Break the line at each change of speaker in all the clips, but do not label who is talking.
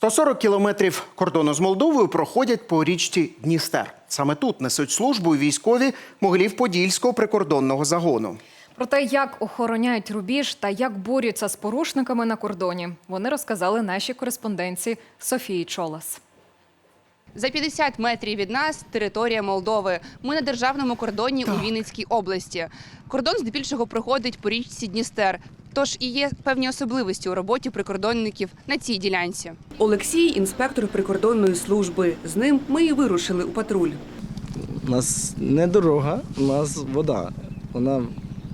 140 кілометрів кордону з Молдовою проходять по річці Дністер. Саме тут несуть службу військові Могилів-Подільського прикордонного загону.
Про те, як охороняють рубіж та як борються з порушниками на кордоні, вони розказали нашій кореспонденції Софії Чолас.
За 50 метрів від нас – територія Молдови. Ми на державному кордоні у Вінницькій області. Кордон здебільшого проходить по річці Дністер. Тож і є певні особливості у роботі прикордонників на цій ділянці. Олексій – інспектор прикордонної служби. З ним ми і вирушили у патруль.
У нас не дорога, у нас вода. Вона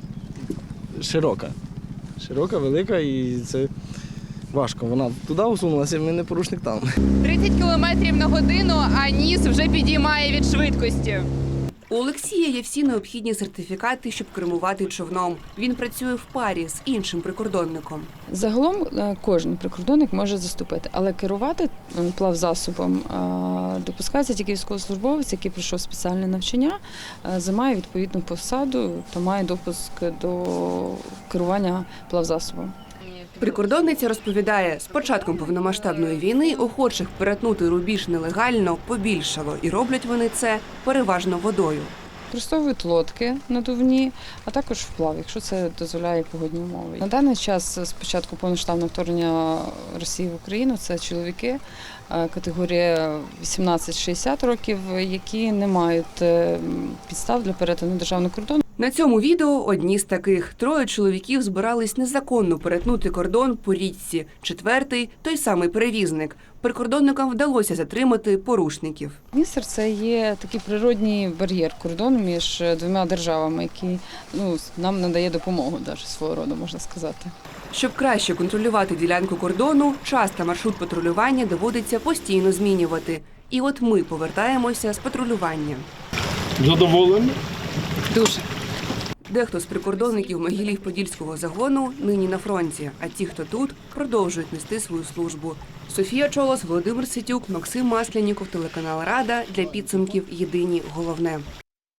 широка. Широка, велика і це важко. Вона туди усунулася, ми не порушник там.
30 кілометрів на годину, а ніс вже підіймає від швидкості. У Олексія є всі необхідні сертифікати, щоб кермувати човном. Він працює в парі з іншим прикордонником.
Загалом кожен прикордонник може заступити, але керувати плавзасобом допускається тільки військовослужбовець, який пройшов спеціальне навчання, займає відповідну посаду та має допуск до керування плавзасобом.
Прикордонниця розповідає, з початком повномасштабної війни охочих перетнути рубіж нелегально побільшало, і роблять вони це переважно водою.
Використовують лодки надувні, а також вплав, якщо це дозволяє погодні умови. На даний час, з початку повномасштабного вторгнення Росії в Україну, це чоловіки категорія 18-60 років, які не мають підстав для перетину державного кордону.
На цьому відео одні з таких. Троє чоловіків збирались незаконно перетнути кордон по річці. Четвертий – той самий перевізник. Прикордонникам вдалося затримати порушників.
Дністер – це є такий природній бар'єр кордону між двома державами, який нам надає допомогу, навіть свого роду, можна сказати.
Щоб краще контролювати ділянку кордону, час та маршрут патрулювання доводиться постійно змінювати. І от ми повертаємося з патрулювання.
Задоволені?
Дуже. Дехто з прикордонників Могилів-Подільського загону нині на фронті, а ті, хто тут, продовжують нести свою службу. Софія Чолос, Володимир Ситюк, Максим Масляніков, телеканал Рада. Для підсумків єдині головне.